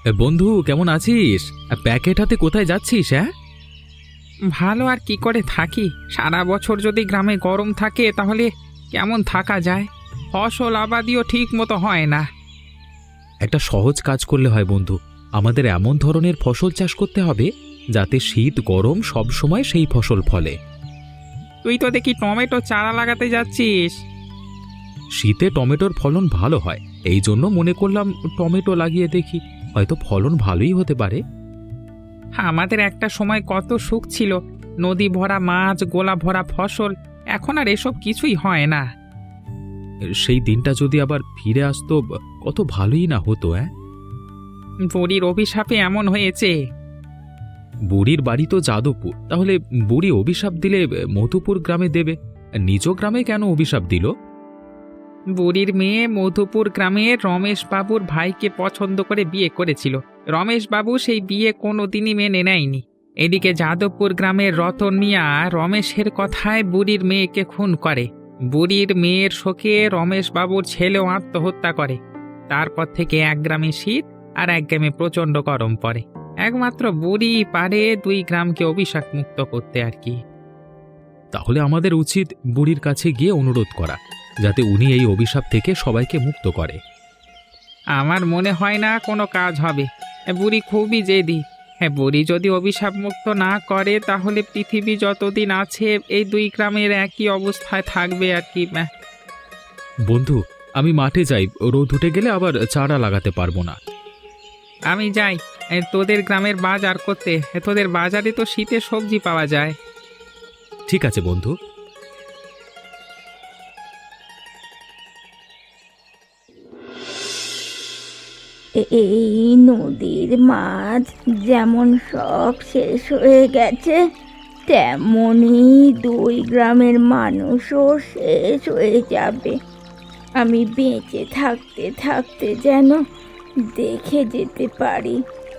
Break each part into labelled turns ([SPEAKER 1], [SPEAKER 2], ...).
[SPEAKER 1] বন্ধু কেমন আছিস? প্যাকেট হাতে কোথায় যাচ্ছিস? হ্যাঁ,
[SPEAKER 2] ভালো আর কি করে থাকি? সারা বছর যদি গ্রামে গরম থাকে তাহলে কেমন থাকা যায়? ফসল আবাদিও ঠিক মতো হয় না।
[SPEAKER 1] একটা সহজ কাজ করলে হয় বন্ধু। আমাদের এমন ধরনের ফসল চাষ করতে হবে যাতে শীত গরম সব সময় সেই ফসল ফলে।
[SPEAKER 2] তুই তো দেখি টমেটো চারা লাগাতে যাচ্ছিস।
[SPEAKER 1] শীতে টমেটোর ফলন ভালো হয়, এই জন্য মনে করলাম টমেটো লাগিয়ে দেখি, হয়তো ফলন ভালোই হতে পারে।
[SPEAKER 2] আমাদের একটা সময় কত সুখ ছিল, নদী ভরা মাছ, গোলা ভরা ফসল। এখন আর এসব কিছুই হয় না।
[SPEAKER 1] সেই দিনটা যদি আবার ফিরে আসতো কত ভালোই না হতো।
[SPEAKER 2] বুড়ির অভিশাপে এমন হয়েছে।
[SPEAKER 1] বুড়ির বাড়ি তো যাদবপুর, তাহলে বুড়ি অভিশাপ দিলে মধুপুর গ্রামে দেবে, নিজ গ্রামে কেন অভিশাপ দিল?
[SPEAKER 2] বুড়ির মেয়ে মধুপুর গ্রামের রমেশ বাবুর ভাইকে পছন্দ করে বিয়ে করেছিল। রমেশ বাবু সেই বিয়ে কোনোদিনই মেনে নেয়নি। এদিকে যাদবপুর গ্রামের রতন মিয়া রমেশের কথায় বুড়ির মেয়েকে খুন করে। বুড়ির মেয়ের শোকে রমেশ বাবুর ছেলেও আত্মহত্যা করে। তারপর থেকে এক গ্রামে শীত আর এক গ্রামে প্রচণ্ড গরম পড়ে। একমাত্র বুড়ি পারে দুই গ্রামকে অভিশাপ মুক্ত করতে আর কি।
[SPEAKER 1] তাহলে আমাদের উচিত বুড়ির কাছে গিয়ে অনুরোধ করা, যাতে উনি এই অভিশাপ থেকে সবাইকে মুক্ত করে।
[SPEAKER 2] আমার মনে হয় না কোনো কাজ হবে। বুড়ি খুবই জেদি। বুড়ি যদি অভিশাপ মুক্ত না করে তাহলে পৃথিবী যতদিন আছে এই দুই গ্রামের একই অবস্থায় থাকবে আর কি।
[SPEAKER 1] বন্ধু, আমি মাঠে যাই, রোদ উঠে গেলে আবার চারা লাগাতে পারবো না।
[SPEAKER 2] আমি যাই তোদের গ্রামের বাজার করতে। তোদের বাজারে তো শীতের সবজি পাওয়া যায়।
[SPEAKER 1] ঠিক আছে বন্ধু।
[SPEAKER 3] এই নদীর মাছ যেমন সব শেষ হয়ে গেছে, তেমনি দুই গ্রামের মানুষও শেষ হয়ে যাবে। আমি বেঁচে থাকতে থাকতে যেন দেখে যেতে পারি।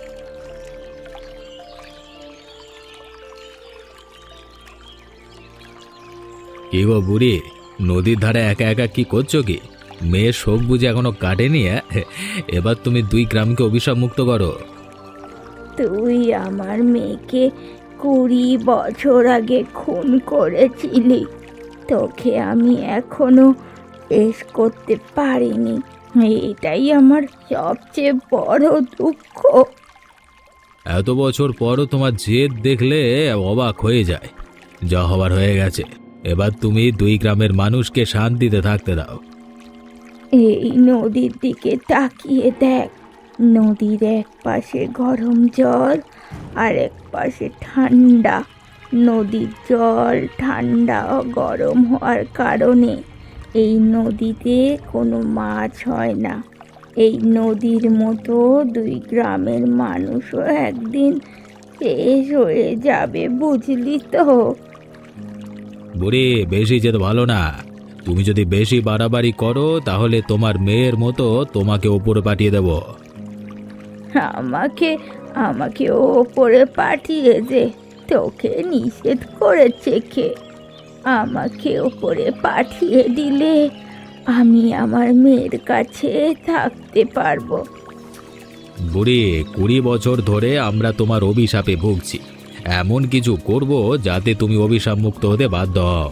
[SPEAKER 1] কি গো বুড়ি, নদীর ধারে একা একা কি করছো কি? মেয়ের শোক বুঝে এখনো কাটেনি? এবার তুমি দুই গ্রামকে অভিশাপ মুক্ত করো।
[SPEAKER 3] তুই আমার মেয়েকে 20 বছর আগে খুন করেছিলি। তোকে আমি এখনো শেষ করতে পারিনি। এটাই আমার সবচেয়ে বড় দুঃখ।
[SPEAKER 1] এত বছর পরও তোমার জেদ দেখলে অবাক হয়ে যায়। যা হবার হয়ে গেছে, এবার তুমি দুই গ্রামের মানুষকে শান্তিতে থাকতে দাও।
[SPEAKER 3] এই নদীর দিকে তাকিয়ে দেখ। নদীর এক পাশে গরম জল আর এক পাশে ঠান্ডা। নদীর জল ঠান্ডা ও গরম হওয়ার কারণে এই নদীতে কোনো মাছ হয় না। এই নদীর মতো দুই গ্রামের মানুষও একদিন শেষ হয়ে যাবে, বুঝলি তো?
[SPEAKER 1] বুড়ি, বেশি যেতে ভালো না। তুমি যদি বেশি বাড়াবাড়ি করো তাহলে তোমার মেয়ের মতো তোমাকে ওপরে পাঠিয়ে দেব।
[SPEAKER 3] আমাকে আমাকে ওপরে পাঠিয়ে দে। তোকে নিষেধ করেছে কে? আমাকে ওপরে পাঠিয়ে দিলে আমি আমার মেয়ের কাছে থাকতে পারবো।
[SPEAKER 1] বুড়ি, 20 বছর ধরে আমরা তোমার অভিশাপে ভুগছি। এমন কিছু করব যাতে তুমি অভিশাপ মুক্ত হতে বাধ্য হও।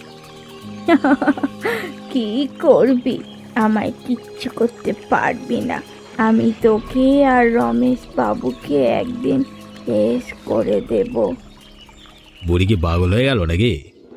[SPEAKER 3] কি করবি? আমায় কিচ্ছু করতে পারবি না। আমি তোকে আর রমেশ বাবুকে একদিন শেষ করে দেব।
[SPEAKER 1] বুড়ি কি পাগল হয়ে গেল নাকি?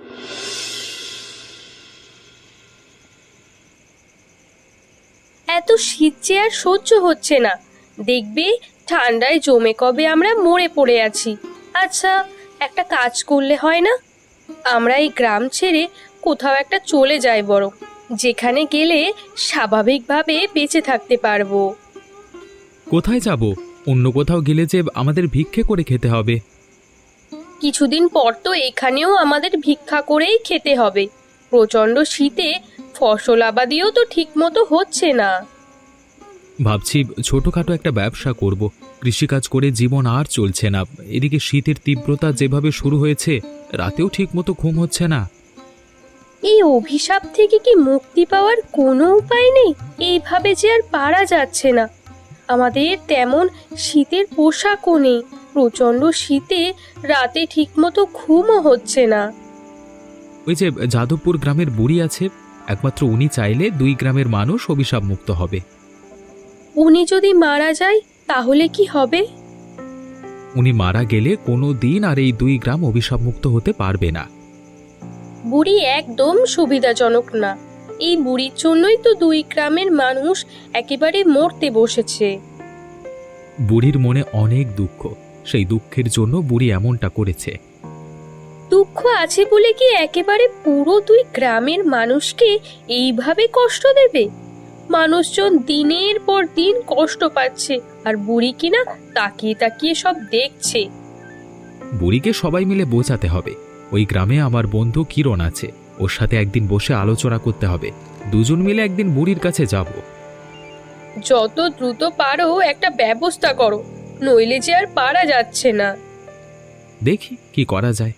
[SPEAKER 4] এত শীত যে আর সহ্য হচ্ছে না। দেখবি ঠান্ডায় জমে কবে আমরা মরে পড়ে আছি। আচ্ছা, একটা কাজ করলে হয় না? আমরা এই গ্রাম ছেড়ে কোথাও একটা চলে যাই বরং, যেখানে গেলে স্বাভাবিকভাবে বেঁচে থাকতে পারবো।
[SPEAKER 1] কোথায় যাব? অন্য কোথাও গেলে যে আমাদের ভিক্ষে করে খেতে হবে।
[SPEAKER 4] কিছুদিন পর তো এখানেও আমাদের ভিক্ষা করেই খেতে হবে। প্রচণ্ড শীতে ফসল আবাদিও তো ঠিক মতো হচ্ছে না।
[SPEAKER 1] ভাবছি ছোটখাটো একটা ব্যবসা করব। কৃষিকাজ করে জীবন আর চলছে না। এদিকে শীতের তীব্রতা যেভাবে শুরু হয়েছে, রাতেও ঠিক মতো ঘুম হচ্ছে না।
[SPEAKER 4] এই অভিশাপ থেকে কি মুক্তি পাওয়ার কোনো উপায় নেই? এইভাবে যে আর পারা যাচ্ছে না। আমাদের তেমন শীতের পোশাকও নেই। প্রচণ্ড শীতে রাতে ঠিকমতো ঘুমও হচ্ছে না।
[SPEAKER 1] ওই যে যাদবপুর গ্রামের বুড়ি আছে, একমাত্র উনি চাইলে 2 গ্রামের মানুষ অভিশাপ মুক্ত হবে।
[SPEAKER 4] উনি যদি মারা যায় তাহলে কি হবে?
[SPEAKER 1] উনি মারা গেলে কোনো দিন আর এই 2 গ্রাম অভিশাপ মুক্ত হতে পারবে না।
[SPEAKER 4] বুড়ি একদম সুবিধাজনক না। এই বুড়ির জন্যই তো 2 গ্রামের মানুষ একেবারে মরতে বসেছে।
[SPEAKER 1] বুড়ির মনে অনেক দুঃখ, সেই দুঃখের জন্য বুড়ি এমনটা করেছে।
[SPEAKER 4] দুঃখ আছে বলে কি একেবারে পুরো 2 গ্রামের মানুষকে এইভাবে কষ্ট দেবে? মানুষজন দিনের পর দিন কষ্ট পাচ্ছে, আর বুড়ি কিনা তাকিয়ে তাকিয়ে সব দেখছে।
[SPEAKER 1] বুড়িকে সবাই মিলে বোঝাতে হবে। ওই গ্রামে আমার বন্ধু কিরণ আছে, ওর সাথে একদিন বসে আলোচনা করতে হবে। দুজন মিলে একদিন বুড়ির কাছে যাব।
[SPEAKER 4] যত দ্রুত পারো একটা ব্যবস্থা করো, নইলে যে আর পারা যাচ্ছে না।
[SPEAKER 1] দেখি কি করা যায়।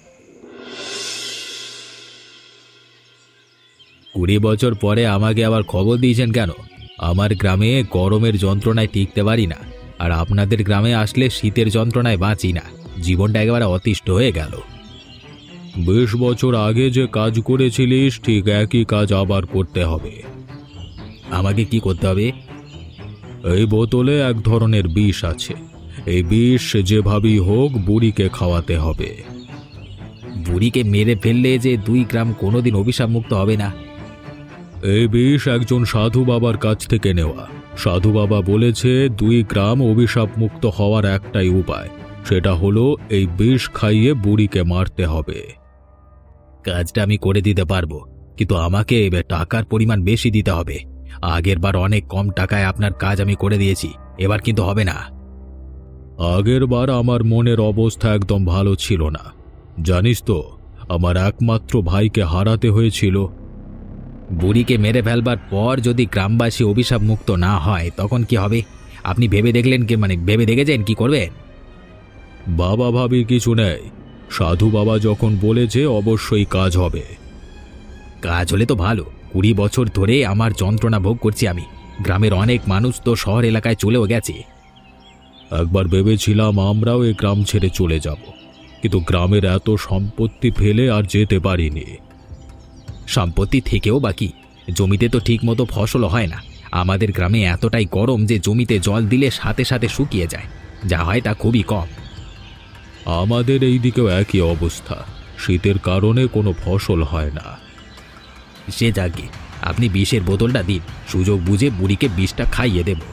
[SPEAKER 1] 20 বছর পরে আমাকে আবার খবর দিয়েছেন কেন? আমার গ্রামে গরমের যন্ত্রণায় টিকতে পারি না, আর আপনাদের গ্রামে আসলে শীতের যন্ত্রণায় বাঁচি না। জীবনটা একেবারে অতিষ্ঠ হয়ে গেল। 20 বছর আগে যে কাজ করেছিলিস ঠিক একই কাজ আবার করতে হবে। আমাকে কি করতে হবে? এই বোতলে এক ধরনের বিষ আছে, এই বিষ যেভাবেই হোক বুড়িকে খাওয়াতে হবে। বুড়িকে মেরে ফেললে যে 2 গ্রাম কোনোদিন অভিশাপ মুক্ত হবে না। এই বিষ একজন সাধু বাবার কাছ থেকে নেওয়া। সাধু বাবা বলেছে 2 গ্রাম অভিশাপ মুক্ত হওয়ার একটাই উপায়, সেটা হলো এই বিষ খাইয়ে বুড়িকে মারতে হবে। কাজটা আমি করে দিতে পারবো, কিন্তু আমাকে টাকার পরিমাণ বেশি দিতে হবে। আগের বার অনেক কম টাকায় আপনার কাজ আমি করে দিয়েছি, এবার কিন্তু হবে না। আগের বার আমার মনের অবস্থা একদম ভালো ছিল না, জানিস তো, আমার একমাত্র ভাইকে হারাতে হয়েছিল। বুড়িকে মেরে ফেলবার পর যদি গ্রামবাসী অভিশাপ মুক্ত না হয় তখন কি হবে? আপনি ভেবে দেখলেন কি, ভেবে দেখেছেন কি করবেন? বাবা ভাবি কিছু নেই, সাধু বাবা যখন বলেছে অবশ্যই কাজ হবে। কাজ হলে তো ভালো। 20 বছর ধরে আমার যন্ত্রণা ভোগ করছি আমি। গ্রামের অনেক মানুষ তো শহর এলাকায় চলেও গেছে। একবার ভেবেছিলাম আমরাও এই গ্রাম ছেড়ে চলে যাব, কিন্তু গ্রামের এত সম্পত্তি ফেলে আর যেতে পারিনি। সম্পত্তি থেকেও বাকি, জমিতে তো ঠিক মতো ফসল হয় না। আমাদের গ্রামে এতটাই গরম যে জমিতে জল দিলে সাথে সাথে শুকিয়ে যায়, যা হয় তা খুবই কম। আমাদের এই দিকেও একই অবস্থা, শীতের কারণে কোনো ফসল হয় না। সে যাকে, আপনি বিষের বোতলটা দিন, সুযোগ বুঝে বুড়িকে বিষটা খাইয়ে দেব।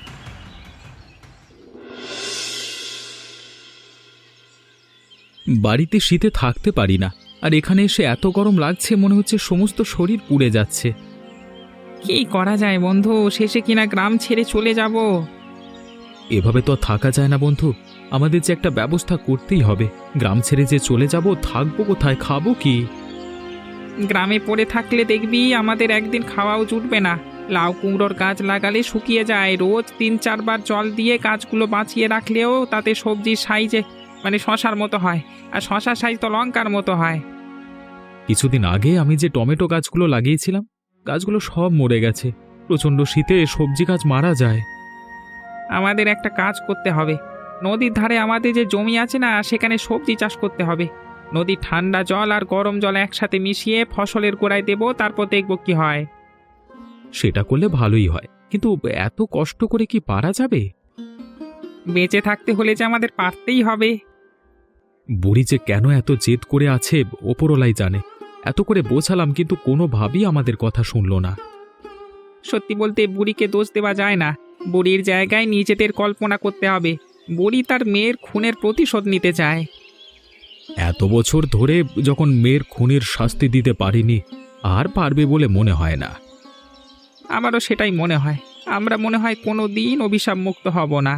[SPEAKER 1] বাড়িতে শীতে থাকতে পারি না, আর এখানে এসে এত গরম লাগছে, মনে হচ্ছে সমস্ত শরীর পুড়ে যাচ্ছে।
[SPEAKER 2] কি করা যায় বন্ধু, শেষে কিনা গ্রাম ছেড়ে চলে যাব।
[SPEAKER 1] এভাবে তো থাকা যায় না বন্ধু, আমাদের যে একটা ব্যবস্থা করতেই হবে। গ্রাম ছেড়ে যে চলে যাব, থাকবো কোথায়, খাবো কি?
[SPEAKER 2] গ্রামে পড়ে থাকলে দেখবি আমাদের একদিন খাওয়াও জুটবে না। লাউ কুমড়োর গাছ লাগালে শুকিয়ে যায়, রোজ 3-4 বার জল দিয়ে গাছগুলো বাঁচিয়ে রাখলেও তাতে সবজির সাইজে শশার মতো হয়, আর শশার সাইজ তো লঙ্কার মতো হয়।
[SPEAKER 1] কিছুদিন আগে আমি যে টমেটো গাছগুলো লাগিয়েছিলাম, গাছগুলো সব মরে গেছে। প্রচণ্ড শীতে সবজি গাছ মারা যায়।
[SPEAKER 2] আমাদের একটা কাজ করতে হবে। নদীর ধারে আমাদের যে জমি আছে না, সেখানে সবজি চাষ করতে হবে। নদীর ঠান্ডা জল আর গরম জল একসাথে মিশিয়ে ফসলের গোড়ায় দেব, তারপর দেখব কি হয়।
[SPEAKER 1] সেটা করলে ভালোই হয়, কিন্তু এত কষ্ট করে কি পারা যাবে?
[SPEAKER 2] বেঁচে থাকতে হলে যে আমাদের পারতেই হবে।
[SPEAKER 1] বুড়ি যে কেন এত জেদ করে আছে ওপরওয়ালাই জানে। এত করে বোঝালাম, কিন্তু কোনোভাবেই আমাদের কথা শুনল না।
[SPEAKER 2] সত্যি বলতে বুড়িকে দোষ দেওয়া যায় না, বুড়ির জায়গায় নিজেদের কল্পনা করতে হবে। বুড়ি তার মেয়ের খুনের প্রতিশোধ নিতে চায়।
[SPEAKER 1] এত বছর ধরে যখন মেয়ের খুনের শাস্তি দিতে পারিনি, আর পারবে বলে মনে হয় না।
[SPEAKER 2] আমারও সেটাই মনে হয়। আমরা মনে হয় কোনো দিন অভিশাপ মুক্ত হব না।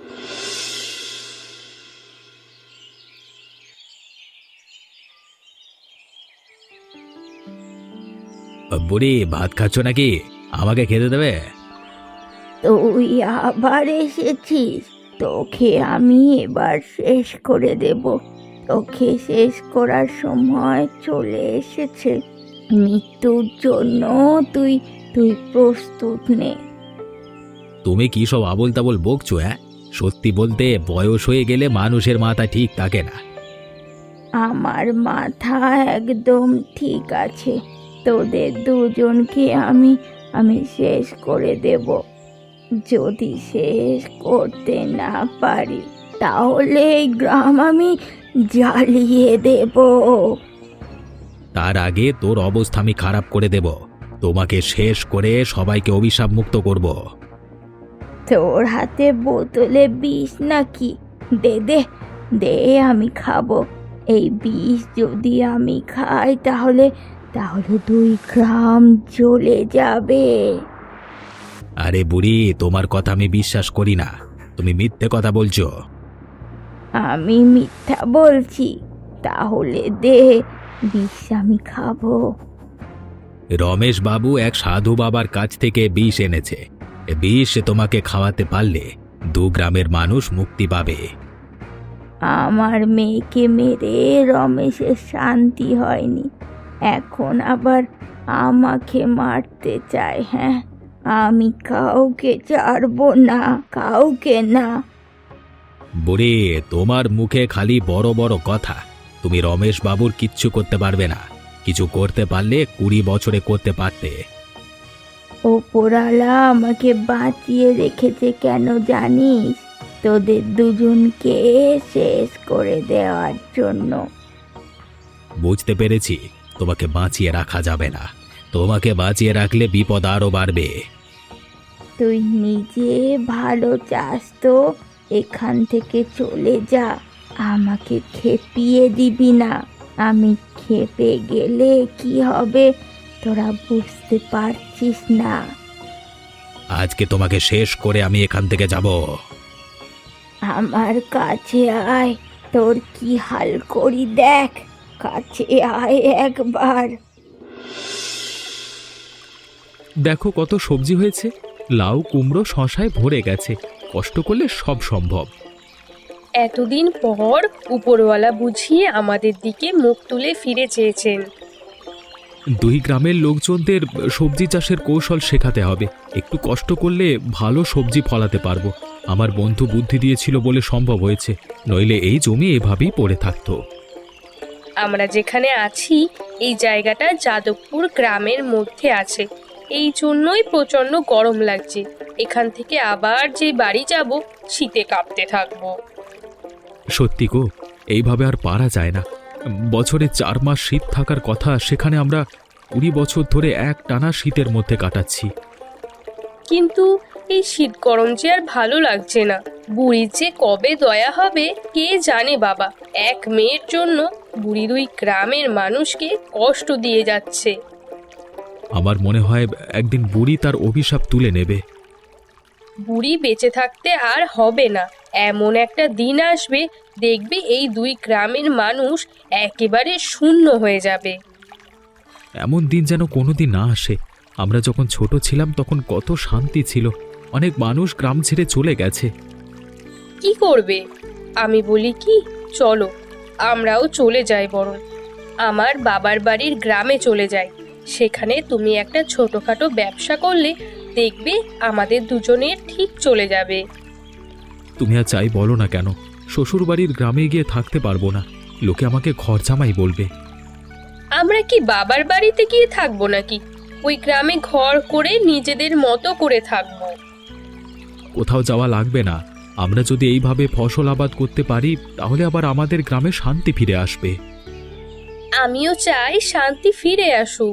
[SPEAKER 1] বুড়ি, ভাত খাচ্ছ নাকি? আমাকে খেতে দেবে?
[SPEAKER 3] তুই আবার এসেছিস, তোকে আমি এবার শেষ করে দেব। তোকে শেষ করার সময় চলে এসেছে। মৃত্যুর জন্য তুই প্রস্তুত নে।
[SPEAKER 1] তুমি কি সব আবোল তাবোল বকছো? হ্যাঁ, সত্যি বলতে বয়স হয়ে গেলে মানুষের মাথা ঠিক থাকে না।
[SPEAKER 3] আমার মাথা একদম ঠিক আছে। তোদের দুজনকে আমি আমি শেষ করে দেব। যদি শেষ করতে না পারি তাহলে এই গ্রাম আমি জ্বালিয়ে দেব।
[SPEAKER 1] তার আগে তোর অবস্থা আমি খারাপ করে দেব। তোমাকে শেষ করে সবাইকে অভিশাপ মুক্ত করব।
[SPEAKER 3] তোর হাতে বোতলে বিষ নাকি? দে দে দে, আমি খাবো। এই বিষ যদি আমি খাই তাহলে তাহলে 2 গ্রাম জ্বলে যাবে।
[SPEAKER 1] আরে বুড়ি, তোমার কথা আমি বিশ্বাস করি না। তুমি মিথ্যে কথা বলছো।
[SPEAKER 3] আমি মিথ্যা বলছি? তাহলে দে, বিষ আমি খাবো।
[SPEAKER 1] রমেশ বাবু এক সাধু বাবার কাছ থেকে বিষ এনেছে। এ বিষ তোমাকে খাওয়াতে পারলে 2 গ্রামের মানুষ মুক্তি পাবে।
[SPEAKER 3] আমার মেয়েকে মেরে রমেশের শান্তি হয়নি, এখন আবার আমাকে মারতে চায়। হ্যাঁ, আমি কাউকে ছাড়বো না, কাউকে না।
[SPEAKER 1] বুড়ি, তোমার মুখে খালি বড় বড় কথা। তুমি রমেশ বাবুর কিচ্ছু করতে পারবে না। কিছু করতে পারলে 20 বছরে করতে পারতে।
[SPEAKER 3] ওপরওয়ালা আমাকে বাঁচিয়ে রেখেছে কেন জানিস? তোদের দুজনকে শেষ করে দেওয়ার জন্য।
[SPEAKER 1] বুঝতে পেরেছি, তোমাকে বাঁচিয়ে রাখা যাবে না। তোমাকে বাঁচিয়ে রাখলে বিপদ আরো বাড়বে।
[SPEAKER 3] তুই নিজে ভালো চাস তো এখান থেকে চলে যা, আমাকে খেপিয়ে দিবি না। আমি খেপে গেলে কি হবে তোরা বুঝতে পারছিস না।
[SPEAKER 1] আজকে তোমাকে শেষ করে আমি এখান থেকে যাব।
[SPEAKER 3] আমার কাছে আয়, তোর কি হাল করি দেখ। কাছে আয় একবার।
[SPEAKER 1] দেখো কত সবজি হয়েছে। লাউ, কুমড়ো, শশায় ভরে গেছে। কষ্ট করলে সব সম্ভব।
[SPEAKER 4] এতদিন পর উপরওয়ালা বুঝিয়ে আমাদের দিকে মুখ তুলে ফিরে চেয়েছেন।
[SPEAKER 1] 2 গ্রামের লোকজনদের সবজি চাষের কৌশল শেখাতে হবে। একটু কষ্ট করলে ভালো সবজি ফলাতে পারবো। আমার বন্ধু বুদ্ধি দিয়েছিল বলে সম্ভব হয়েছে, নইলে এই জমি এভাবেই পড়ে থাকতো।
[SPEAKER 4] আমরা যেখানে আছি এই জায়গাটা যাদবপুর গ্রামের মধ্যে আছে, এই জন্যই প্রচণ্ড গরম লাগছে। এখান থেকে আবার যে বাড়ি যাব শীতে কাঁপতে থাকবো।
[SPEAKER 1] সত্যি গো, এইভাবে আর পারা যায় না। বছরে 4 মাস শীত থাকার কথা, সেখানে আমরা 20 বছর ধরে এক টানা শীতের মধ্যে কাটাচ্ছি।
[SPEAKER 4] কিন্তু এই শীত গরম যে আর ভালো লাগছে না। বুড়ির যে কবে দয়া হবে কে জানে বাবা। এক মেয়ের জন্য বুড়ি 2 গ্রামের মানুষকে কষ্ট দিয়ে যাচ্ছে।
[SPEAKER 1] আমার মনে হয় একদিন বুড়ি তার অভিশাপ তুলে নেবে।
[SPEAKER 4] বুড়ি বেঁচে থাকতে আর হবে না। এমন একটা দিন আসবে দেখবে এই 2 গ্রামের মানুষ একেবারে শূন্য হয়ে যাবে।
[SPEAKER 1] এমন দিন যেন কোনোদিন না আসে। আমরা যখন ছোট ছিলাম তখন কত শান্তি ছিল। অনেক মানুষ গ্রাম ছেড়ে চলে গেছে।
[SPEAKER 4] কি করবে? আমি বলি কি, চলো আমরাও চলে যাই। বরং আমার বাবার বাড়ির গ্রামে চলে যাই। সেখানে তুমি একটা ছোটখাটো ব্যবসা করলে দেখবে আমাদের দুজনের ঠিক চলে যাবে।
[SPEAKER 1] তুমি আর চাই বলো না কেন, শ্বশুর বাড়ির গ্রামে গিয়ে থাকতে পারবো না। লোকে আমাকে ঘর জামাই বলবে।
[SPEAKER 4] আমরা কি বাবার বাড়িতে গিয়ে থাকবো নাকি? ওই গ্রামে ঘর করে নিজেদের মতো করে থাকবো।
[SPEAKER 1] কোথাও যাওয়া লাগবে না। আমরা যদি এইভাবে ফসল আবাদ করতে পারি তাহলে আবার আমাদের গ্রামে শান্তি ফিরে আসবে।
[SPEAKER 4] আমিও চাই শান্তি ফিরে আসুক।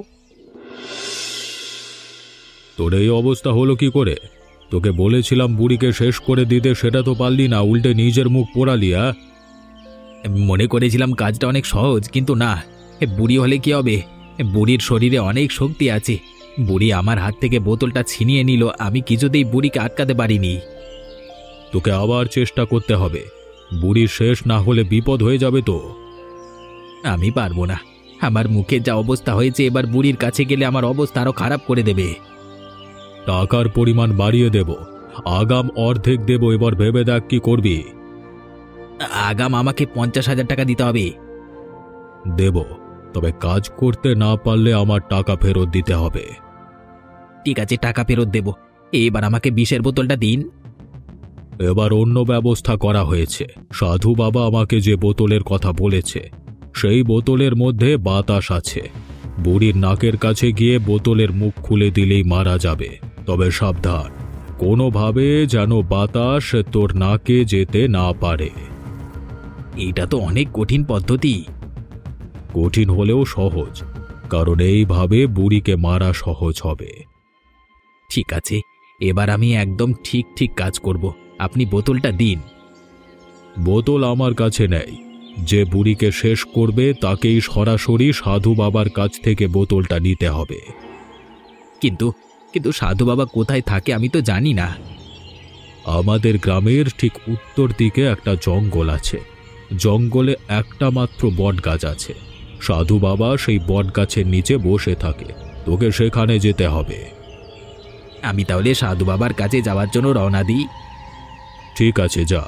[SPEAKER 1] তোর এই অবস্থা হলো কি করে? তোকে বলেছিলাম বুড়িকে শেষ করে দিতে, সেটা তো পারলি না, উল্টে নিজের মুখ পোড়ালি। মনে করেছিলাম কাজটা অনেক সহজ, কিন্তু না। বুড়ি হলে কি হবে? বুড়ির শরীরে অনেক শক্তি আছে। বুড়ি আমার হাত থেকে বোতলটা ছিনিয়ে নিল, আমি কিছুতেই বুড়িকে আটকাতে পারিনি। তোকে আবার চেষ্টা করতে হবে। বুড়ি শেষ না হলে বিপদ হয়ে যাবে তো। আমি পারবো না। আমার মুখে যা অবস্থা হয়েছে, এবার বুড়ির কাছে গেলে আমার অবস্থা আরো খারাপ করে দেবে। টাকার পরিমাণ বাড়িয়ে দেব, আগাম অর্ধেক দেব। এবার ভেবে দেখ কি করবি। আগাম আমাকে 50,000 টাকা দিতে হবে। দেব, তবে কাজ করতে না পারলে আমার টাকা ফেরত দিতে হবে। ঠিক আছে, টাকা ফেরত দেব। এবার আমাকে বিষের বোতলটা দিন। এবার অন্য ব্যবস্থা করা হয়েছে। সাধু বাবা আমাকে যে বোতলের কথা বলেছে সেই বোতলের মধ্যে বাতাস আছে। বুড়ির নাকের কাছে গিয়ে বোতলের মুখ খুলে দিলেই মারা যাবে। তবে সাবধান, কোনোভাবে যেন বাতাস তোর নাকে যেতে না পারে। এটা তো অনেক কঠিন পদ্ধতি। কঠিন হলেও সহজ, কারণ এইভাবে বুড়িকে মারা সহজ হবে। ঠিক আছে, এবার আমি একদম ঠিক ঠিক কাজ করব। আপনি বোতলটা দিন। বোতল আমার কাছে নেই। যে বুড়িকে শেষ করবে তাকেই সরাসরি সাধু বাবার কাছ থেকে বোতলটা নিতে হবে। কিন্তু কিন্তু সাধু বাবা কোথায় থাকে আমি তো জানি না। আমাদের গ্রামের ঠিক উত্তর দিকে একটা জঙ্গল আছে। জঙ্গলে একটা মাত্র বট গাছ আছে। সাধু বাবা সেই বট গাছের নিচে বসে থাকে। তোকে সেখানে যেতে হবে। আমি তাহলে সাধু বাবার কাছে যাওয়ার জন্য রওনা দিই। ঠিক আছে, যা।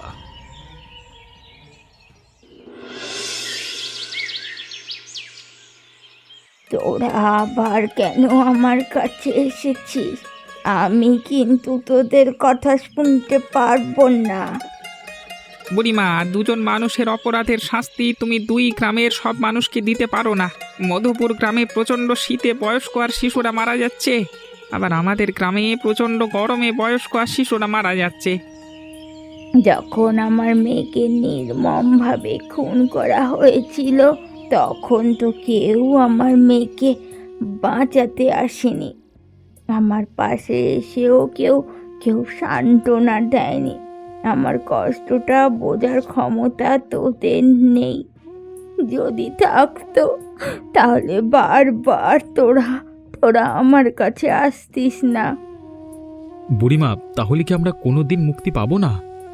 [SPEAKER 3] তোরা আবার কেন আমার কাছে এসেছিস? আমি কিন্তু তোদের কথা শুনতে পারবো না।
[SPEAKER 2] বুড়িমা, দুজন মানুষের অপরাধের শাস্তি তুমি দুই গ্রামের সব মানুষকে দিতে পারো না। মধুপুর গ্রামে প্রচণ্ড শীতে বয়স্ক আর শিশুরা মারা যাচ্ছে, আবার আমাদের গ্রামে প্রচণ্ড গরমে বয়স্ক আর শিশুরা মারা যাচ্ছে।
[SPEAKER 3] যখন আমার মেয়েকে নির্মমভাবে খুন করা হয়েছিল তখন তো কেউ আমার মেয়েকে বাঁচাতে আসেনি। আমার পাশে এসেও কেউ কেউ সান্ত্বনা দেয়নি। আমার কষ্টটা বোঝার ক্ষমতা তোদের নেই। যদি থাকতো তাহলে বারবার তোরা আমার কাছে আসতিস না।
[SPEAKER 1] বুড়িমা, তাহলে কি আমরা কোনোদিন মুক্তি পাবো না?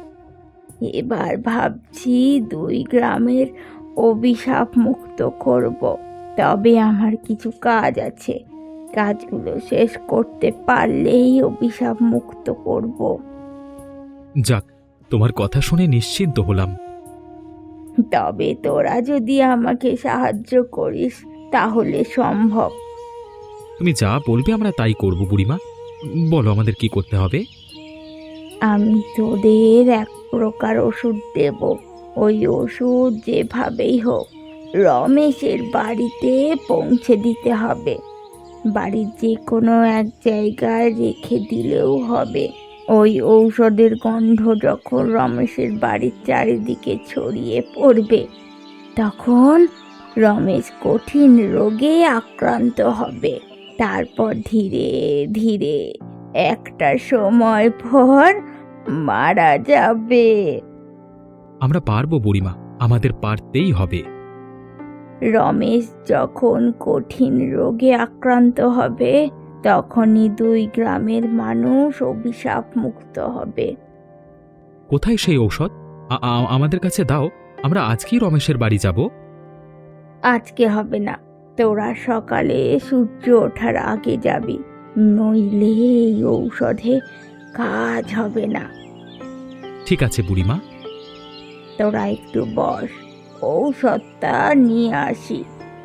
[SPEAKER 3] এবার ভাবছি দুই গ্রামের অভিশাপ মুক্ত করব। তবে আমার কিছু কাজ আছে, কাজগুলো শেষ করতে পারলেই অভিশাপ মুক্ত করব।
[SPEAKER 1] যাক, তোমার কথা শুনে নিশ্চিন্ত হলাম।
[SPEAKER 3] তবে তোরা যদি আমাকে সাহায্য করিস তাহলে সম্ভব।
[SPEAKER 1] তুমি যা বলবে আমরা তাই করব বুড়িমা। বলো আমাদের কি করতে হবে?
[SPEAKER 3] আমি তোদের এক প্রকার ওষুধ দেব। ওই ওষুধ যেভাবেই হোক রমেশের বাড়িতে পৌঁছে দিতে হবে। বাড়ির যে কোনো এক জায়গায় রেখে দিলেও হবে। ওই ঔষধের গন্ধ যখন রমেশের বাড়ির চারিদিকে ছড়িয়ে পড়বে তখন রমেশ কঠিন রোগে আক্রান্ত হবে। তারপর ধীরে ধীরে একটা সময় পর মারা যাবে।
[SPEAKER 1] আমরা পারবো বুড়িমা, আমাদের পারতেই হবে।
[SPEAKER 3] রমেশ যখন কঠিন রোগে আক্রান্ত হবে তখনই দুই গ্রামের মানুষ অভিশাপ মুক্ত হবে।
[SPEAKER 1] কোথায় সেই ঔষধ? আমাদের কাছে দাও, আমরা আজকেই রমেশের বাড়ি যাব।
[SPEAKER 3] আজকে হবে না, তোরা সকালে সূর্য ওঠার আগে যাবি, নইলে এই ঔষধে কাজ হবে না।
[SPEAKER 1] ঠিক আছে বুড়িমা।
[SPEAKER 3] তোরা একটু বস, ঔষধটা নিয়ে আসি।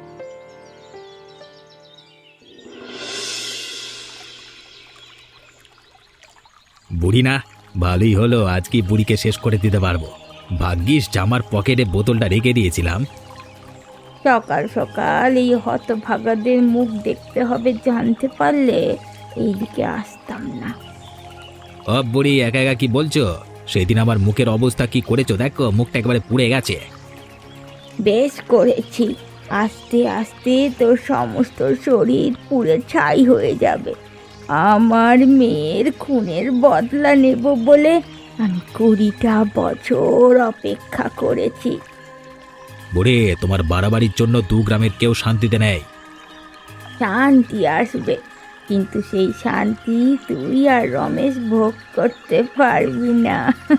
[SPEAKER 1] বুড়ি না, ভালোই হলো, আজকে বুড়িকে শেষ করে দিতে পারবো। ভাগ্যিস জামার পকেটে বোতলটা রেখে দিয়েছিলাম।
[SPEAKER 3] সকাল সকাল এই হতভাগাদের মুখ দেখতে হবে জানতে পারলে এইদিকে আসতাম না।
[SPEAKER 1] ও বুড়ি, একা একা কি বলছো? সেদিন আমার মুখের অবস্থা কি করেছো দেখো, মুখটা একেবারে পুড়ে গেছে।
[SPEAKER 3] বেশ করেছি, আস্তে আস্তে তোর সমস্ত শরীর পুড়ে ছাই হয়ে যাবে। আমার মেয়ের খুনের বদলা নেব বলে আমি 20টা বছর অপেক্ষা করেছি।
[SPEAKER 1] বুড়ি, তোমার বাড়াবাড়ির জন্য দু গ্রামের কেউ শান্তিতে নেই।
[SPEAKER 3] শান্তি আসবে, কিন্তু সেই শান্তি তুই আর রমেশ ভোগ করতে পারবি না।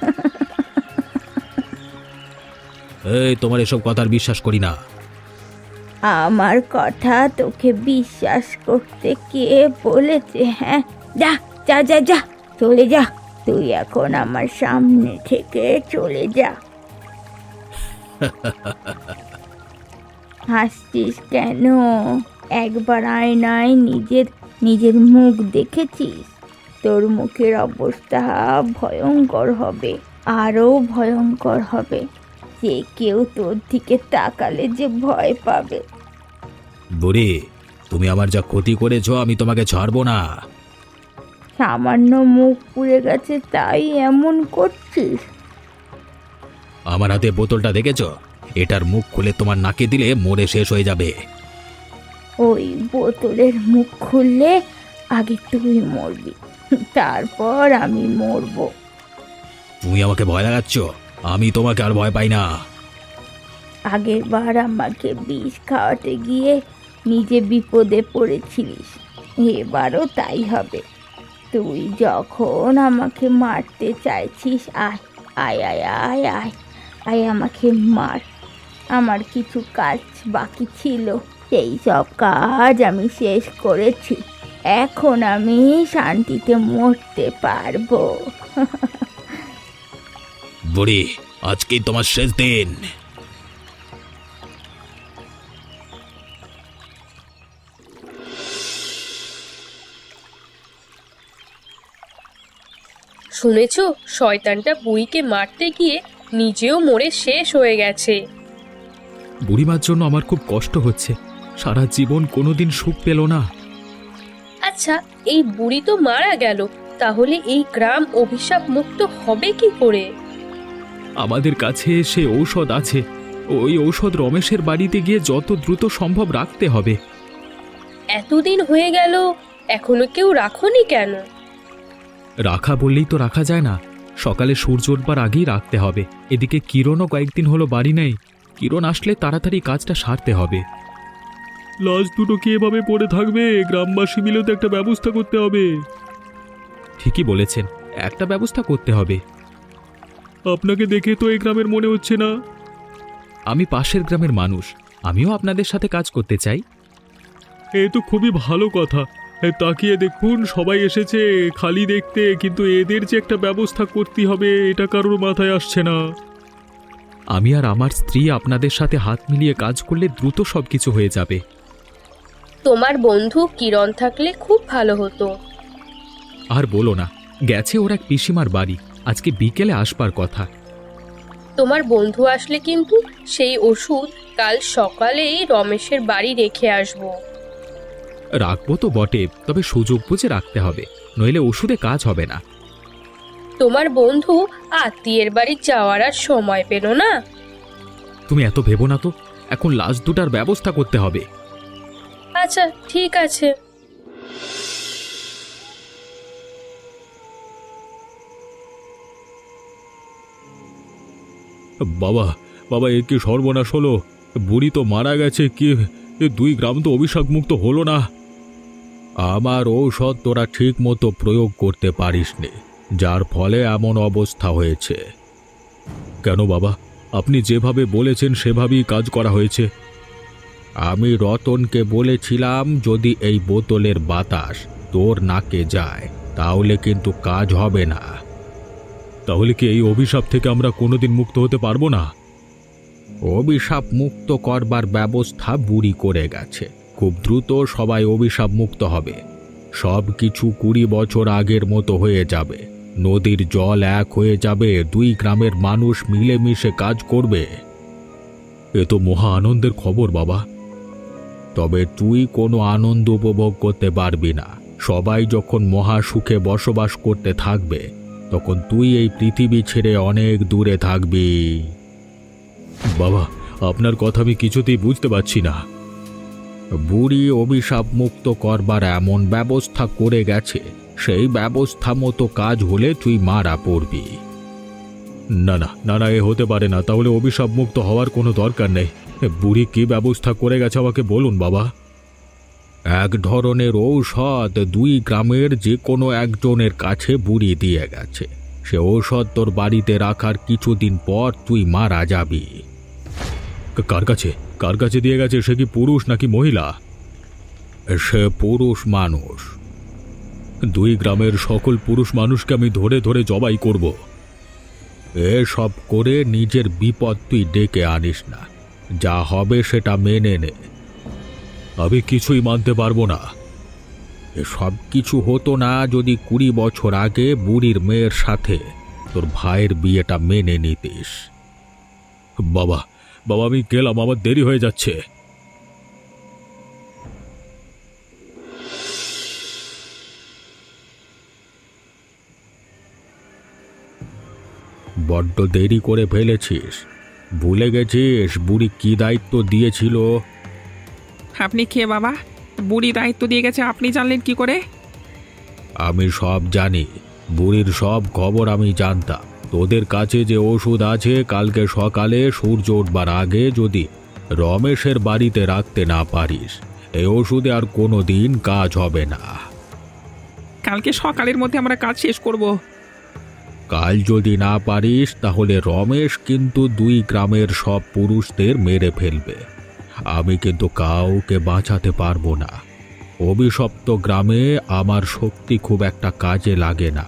[SPEAKER 1] এই, তোমার এসব কথার বিশ্বাস করি না।
[SPEAKER 3] আমার কথা তোকে বিশ্বাস করতে কে বলেছে? হ্যাঁ, যা যা যা যা, চলে যা। তুই এখন আমার সামনে থেকে চলে যা। হাসছিস কেন? একবার আয়নায় নিজের মুখ দেখেছিস? তোর মুখের অবস্থা ভয়ঙ্কর হবে, আরও ভয়ঙ্কর হবে। যে কেউ তোর দিকে তাকালে যে ভয় পাবে।
[SPEAKER 1] বুড়ি, তুমি আমার যা ক্ষতি করেছো আমি তোমাকে ছাড়বো না।
[SPEAKER 3] সামান্য মুখ পুড়ে গেছে তাই এমন করছিস?
[SPEAKER 1] আমার হাতে বোতলটা দেখেছো? এটার মুখ খুলে তোমার নাকে দিলে মরে শেষ হয়ে যাবে।
[SPEAKER 3] ওই বোতলের মুখ খুললে আগে তুই মরবি, তারপর আমি মরবো।
[SPEAKER 1] তুমি আমাকে ভয় লাগাচ্ছ, আমি তোমাকে আর ভয় পাই না।
[SPEAKER 3] আগের বার আমাকে বিষ খাওয়াতে গিয়ে নিজে বিপদে পড়েছিলিস, এবারও তাই হবে। তুই যখন আমাকে মারতে চাইছিস, আয় আয় আয় আয় আয় আয় আমাকে মার। আমার কিছু কাজ বাকি ছিল, সেই সব কাজ আমি শেষ করেছি। এখন আমি শান্তিতে মরতে পারবো।
[SPEAKER 1] বুড়ি, আজকেই তোমার শেষ দিন।
[SPEAKER 4] শুনেছো, শয়তানটা বুড়িকে মারতে গিয়ে নিজেও মরে শেষ হয়ে গেছে।
[SPEAKER 1] বুড়িমার জন্য আমার খুব কষ্ট হচ্ছে, সারা জীবন কোনোদিন সুখ পেল না।
[SPEAKER 4] আচ্ছা, এই বুড়ি তো মারা গেল, তাহলে এই গ্রাম অভিশাপ মুক্ত হবে কি করে?
[SPEAKER 1] আমাদের কাছে সে ঔষধ আছে, ওই ঔষধ রমেশের বাড়িতে গিয়ে যত দ্রুত সম্ভব রাখতে হবে।
[SPEAKER 4] এতদিন হয়ে গেল, এখনো কেউ রাখোনি কেন?
[SPEAKER 1] রাখা বললেই তো রাখা যায় না, সকালে সূর্য ওঠবার আগেই রাখতে হবে। এদিকে কিরণও কয়েকদিন হলো বাড়ি নেই, কিরণ আসলে তাড়াতাড়ি কাজটা সারতে হবে। লাশ দুটো কি এভাবে পড়ে থাকবে? গ্রামবাসী মিলে তো একটা ব্যবস্থা করতে হবে। ঠিকই বলেছেন, একটা ব্যবস্থা করতে হবে। আপনাকে দেখে তো এই গ্রামের মনে হচ্ছে না। আমি পাশের গ্রামের মানুষ, আমিও আপনাদের সাথে কাজ করতে চাই। এ তো খুবই ভালো কথা। তাকিয়ে দেখুন, সবাই এসেছে খালি দেখতে, কিন্তু এদের যে একটা ব্যবস্থা করতে হবে এটা কারোর মাথায় আসছে না। আমি আর আমার স্ত্রী আপনাদের সাথে হাত মিলিয়ে কাজ করলে দ্রুত সবকিছু হয়ে যাবে।
[SPEAKER 4] তোমার বন্ধু কিরণ থাকলে খুব ভালো হতো।
[SPEAKER 1] আর বলো না, গেছে ওর এক পিসিমার বাড়ি, আজকে বিকেলে আসবার কথা।
[SPEAKER 4] তোমার বন্ধু আসলে কিন্তু সেই ওষুধ কাল সকালেই রমেশের বাড়ি রেখে আসবো।
[SPEAKER 1] রাখবো তো বটে, তবে সুযোগ বুঝে রাখতে হবে, নইলে ওষুধে কাজ হবে না।
[SPEAKER 4] তোমার বন্ধু আত্মীয়ের বাড়ি যাওয়ার আর সময় পেল না।
[SPEAKER 1] তুমি এত ভেবো না তো, এখন লাশ দুটার ব্যবস্থা করতে হবে।
[SPEAKER 4] আচ্ছা ঠিক আছে।
[SPEAKER 1] বাবা, বাবা, এ কি সর্বনাশ হলো! বুড়ি তো মারা গেছে, কি দুই গ্রাম তো অভিশাপ মুক্ত হলো না। আমার ঔষধ তোরা ঠিক মতো প্রয়োগ করতে পারিসনি, যার ফলে এমন অবস্থা হয়েছে। কেন বাবা, আপনি যেভাবে বলেছেন সেভাবেই কাজ করা হয়েছে। আমি রতনকে বলেছিলাম যদি এই বোতলের বাতাস তোর নাকে যায় তাহলে কিন্তু কাজ হবে না। তাহলে কি এই অভিশাপ থেকে আমরা কোনোদিন মুক্ত হতে পারবো না? অভিশাপ মুক্ত করবার ব্যবস্থা বুড়ি করে গেছে, খুব দ্রুত সবাই অভিশাপ মুক্ত হবে। সব কিছু 20 বছর আগের মতো হয়ে যাবে, নদীর জল এক হয়ে যাবে, দুই গ্রামের মানুষ মিলেমিশে কাজ করবে। এ তো মহা আনন্দের খবর বাবা। তবে তুই কোনো আনন্দ উপভোগ করতে পারবি না। সবাই যখন মহা সুখে বসবাস করতে থাকবে তখন তুই এই পৃথিবী ছেড়ে অনেক দূরে থাকবি। বাবা, আপনার কথা আমি কিছুতেই বুঝতে পারছি না। বুড়ি অভিশাপ মুক্ত করবার এমন ব্যবস্থা করে গেছে, সেই ব্যবস্থা মতো কাজ হলে তুই মারা পড়বি। না না না না, এ হতে পারে না। তাহলে অভিশাপ মুক্ত হওয়ার কোনো দরকার নেই। বুড়ি কি ব্যবস্থা করে গেছে আমাকে বলুন বাবা। এক ধরনের ঔষধ দুই গ্রামের যে কোনো একজনের কাছে বুড়ি দিয়ে গেছে, সে ঔষধ তোর বাড়িতে রাখার কিছুদিন পর তুই মারা যাবি। কার কাছে কার কাছে দিয়ে গেছে? সে কি পুরুষ নাকি মহিলা? সে পুরুষ মানুষ। দুই গ্রামের সকল পুরুষ মানুষকে আমি ধরে ধরে জবাই করব। এসব করে নিজের বিপদ তুই ডেকে আনিস না, যা হবে সেটা মেনে নে। আমি কিছুই মানতে পারবো না। এসব কিছু হতো না যদি 20 বছর আগে বুড়ির মেয়ের সাথে তোর ভাইয়ের বিয়েটা মেনে নিতিস। বাবা, বাবা, আমি গেলাম, আমার দেরি হয়ে যাচ্ছে। বড্ড দেরি করে ফেলেছিস। ভুলে গেছিস বুড়ি কি দায়িত্ব দিয়েছিল?
[SPEAKER 2] আপনি কে বাবা? বুড়ি দায়িত্ব দিয়ে গেছে, আপনি জানলেন কি করে?
[SPEAKER 1] আমি সব জানি, বুড়ির সব খবর আমি জানতাম। তোদের কাছে যে ওষুধ আছে, কালকে সকালে সূর্য উঠবার আগে যদি রমেশের বাড়িতে রাখতে না পারিস, এই ওষুধে আর কোনো দিন কাজ হবে না।
[SPEAKER 2] কালকে সকালের মধ্যে আমরা কাজ শেষ করব।
[SPEAKER 1] কাল যদি না পারিস তাহলে রমেশ কিন্তু 2 গ্রামের সব পুরুষদের মেরে ফেলবে। আমি কিন্তু কাউকে বাঁচাতে পারবো না। অভিশপ্ত গ্রামে আমার শক্তি খুব একটা কাজে লাগে না।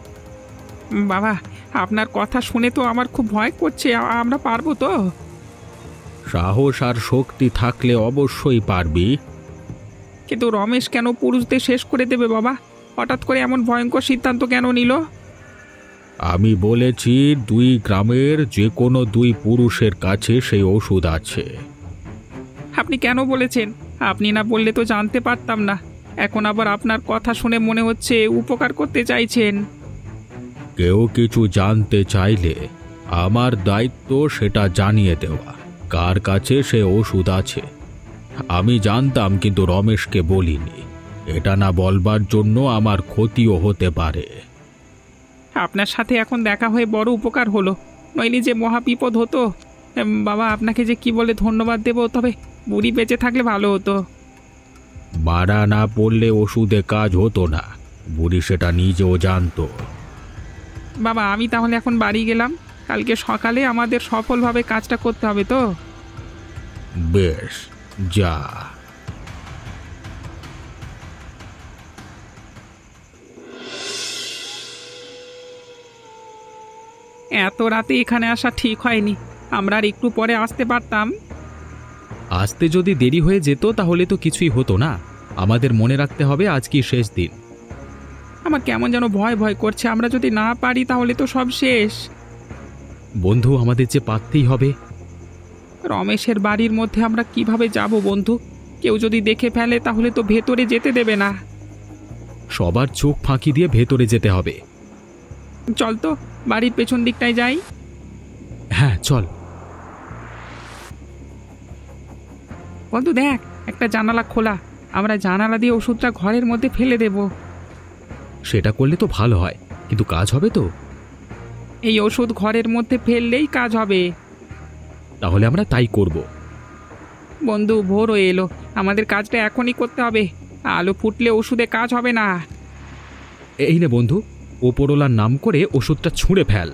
[SPEAKER 2] বাবা, আপনার কথা শুনে তো আমার খুব ভয় করছে। আমরা পারবো তো?
[SPEAKER 1] সাহস আর শক্তি থাকলে অবশ্যই পারবি।
[SPEAKER 2] কিন্তু রমেশ কেন পুরুষদের শেষ করে দেবে বাবা? হঠাৎ করে এমন ভয়ঙ্কর সিদ্ধান্ত কেন নিল?
[SPEAKER 1] আমি বলেছি 2 গ্রামের যে কোনো 2 পুরুষের কাছে সেই ওষুধ আছে।
[SPEAKER 2] আপনি কেন বলেছেন? আপনি না বললে তো জানতে পারতাম না। এখন আবার আপনার কথা শুনে মনে হচ্ছে উপকার করতে চাইছেন।
[SPEAKER 1] কেউ কিছু জানতে চাইলে আমার দায়িত্ব সেটা জানিয়ে দেওয়া, কার কাছে সে ওষুধ আছে। আমি জানতাম কিন্তু রমেশকে বলিনি। এটা না বলবার জন্য আমার ক্ষতিও হতে পারে।
[SPEAKER 2] আপনার সাথে এখন দেখা হয়ে বড় উপকার হলো, নইলে যে মহা বিপদ হতো। বাবা, আপনাকে যে কি বলে ধন্যবাদ দেব, তবে বুড়ি বেঁচে থাকলে ভালো হতো।
[SPEAKER 1] মারা না পড়লে ওষুধে কাজ হতো না, বুড়ি সেটা নিজেও জানতো।
[SPEAKER 2] বাবা, আমি তাহলে এখন বাড়ি গেলাম। কালকে সকালে আমাদের সফলভাবে কাজটা করতে হবে তো?
[SPEAKER 1] বেশ, যা।
[SPEAKER 2] এত রাতে এখানে আসা ঠিক হয়নি। আমরা আর একটু পরে আসতে পারতাম।
[SPEAKER 1] আসতে যদি দেরি হয়ে যেত তাহলে তো কিছুই হতো না। আমাদের মনে রাখতে হবে আজ কি শেষ দিন।
[SPEAKER 2] আমার কেমন যেন ভয় ভয় করছে। আমরা যদি না পারি তাহলে তো সব শেষ।
[SPEAKER 1] বন্ধু, আমাদের যে পারতেই হবে।
[SPEAKER 2] রমেশের বাড়ির মধ্যে আমরা কিভাবে যাব বন্ধু? কেউ যদি দেখে ফেলে তাহলে তো ভেতরে যেতে দেবে না।
[SPEAKER 1] সবার চোখ ফাঁকি দিয়ে ভেতরে যেতে হবে।
[SPEAKER 2] চল তো, বাড়ির পেছন দিকটায় যাই।
[SPEAKER 1] হ্যাঁ, চল।
[SPEAKER 2] বন্ধু দেখ, একটা জানালা খোলা। আমরা জানালা দিয়ে ওষুধটা ঘরের মধ্যে ফেলে দেব।
[SPEAKER 1] সেটা করলে তো ভালো হয়, কিন্তু কাজ হবে তো?
[SPEAKER 2] এই ওষুধ ঘরের মধ্যে ফেললেই কাজ হবে।
[SPEAKER 1] তাহলে আমরা তাই করব।
[SPEAKER 2] বন্ধু, ভোর হয়ে এলো, আমাদের কাজটা এখনই করতে হবে। আলো ফুটলে ওষুধে কাজ হবে না।
[SPEAKER 1] এই নে বন্ধু, ওপরওয়ালার নাম করে ওষুধটা ছুঁড়ে ফেল।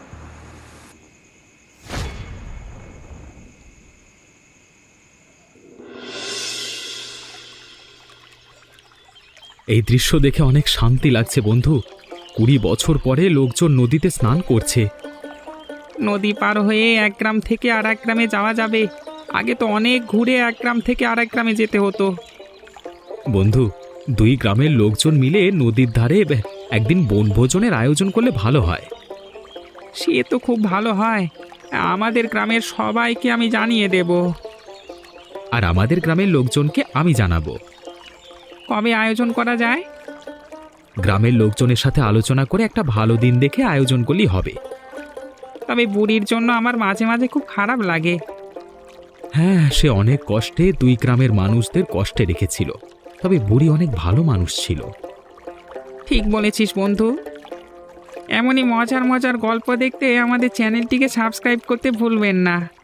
[SPEAKER 1] এই দৃশ্য দেখে অনেক শান্তি লাগছে বন্ধু। 20 বছর পরে লোকজন নদীতে স্নান করছে।
[SPEAKER 2] নদী পার হয়ে এক গ্রাম থেকে আর এক গ্রামে যাওয়া যাবে। আগে তো অনেক ঘুরে এক গ্রাম থেকে আর এক গ্রামে যেতে হতো।
[SPEAKER 1] বন্ধু, 2 গ্রামের লোকজন মিলে নদীর ধারে একদিন বনভোজনের আয়োজন করলে ভালো হয়।
[SPEAKER 2] সে তো খুব ভালো হয়। আমাদের গ্রামের সবাইকে আমি জানিয়ে দেব।
[SPEAKER 1] আর আমাদের গ্রামের লোকজনকে আমি জানাবো।
[SPEAKER 2] কবে আয়োজন করা যায়?
[SPEAKER 1] গ্রামের লোকজনের সাথে আলোচনা করে একটা ভালো দিন দেখে আয়োজন করলেই হবে।
[SPEAKER 2] তবে বুড়ির জন্য আমার মাঝে মাঝে খুব খারাপ লাগে।
[SPEAKER 1] হ্যাঁ, সে অনেক কষ্টে 2 গ্রামের মানুষদের কষ্টে রেখেছিল। তবে বুড়ি অনেক ভালো মানুষ ছিল।
[SPEAKER 2] ঠিক বলেছিস বন্ধু। এমনই মজার মজার গল্প দেখতে আমাদের চ্যানেলটিকে সাবস্ক্রাইব করতে ভুলবেন না।